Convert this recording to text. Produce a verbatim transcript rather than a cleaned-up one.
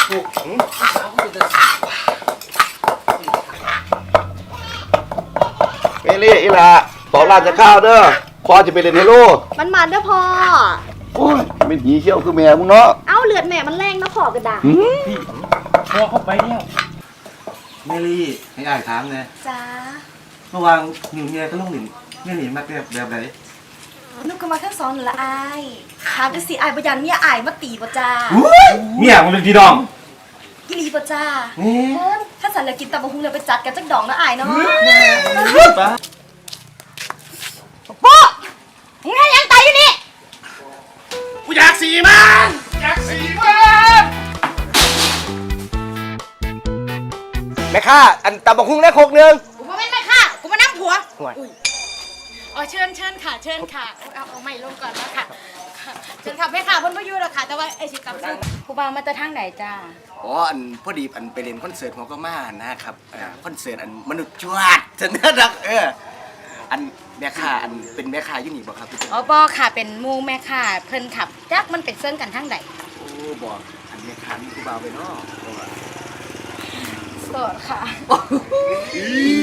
ถูกเมลี่อีหละสองล้านจะข้าวเด้อพอจะไปเล่นเฮโลมันมันเด้อพ่อโอ้ยเป็นผีเชี่ยวคือแม่มึงเนาะเอ้าเลือดแม่มันแรงนะขอกระดาษพี่พอเข้าไปแล้วเมลี่ให้อ่านถามไงจ้าเมื่อวานนิวเมียก็ลงหนิเมียหนิมากแบบแบบไหนนุกก็มาทั้งสองนั่นละอายถามจังสิอายบ่ยันเมียอายมาตีบ่จ้าเมียมันเป็นพี่น้องอีหลีบ่จ้าถ้าสันเหลือกินตำบักหุ่งเลยไปจัดกันจักดองนะอายเนาะพ่อมึงให้ยังตายอยู่นี่กูอยากสีมันอยากสีมันแม่ข้าอันตำบักหุ่งได้โคกนึงกูมาเป็นแม่ค่ะกูมานั่งผัวอ๋อเชิญเชิญค่ะเชิญค่ะเอาเอาใหม่ลงก่อนแล้วค่ะเชิญค่ะแม่ค่ะเพิ่นบ่อยู่แล้วค่ะแต่ว่าไอ้สิกลับซึ่งผู้บ่าวมาแต่ทางไหนจ้าอ๋ออันพอดีอันไปเล่นคอนเสิร์ตหัวก็มานะครับคอนเสิร์ตอันมนุษย์จวดจะน่ารักเอออันแม่ค้าอันเป็นแม่ค้าอยู่นี่บ่ครับพี่อ๋อบ่ค่ะเป็นหมู่แม่ค่ะเพิ่นขับจักมันเป็นเซิงกันทางใดโอ้บอกอันแม่ค้ามีผู้บ่าวไปเนาะโสดค่ะ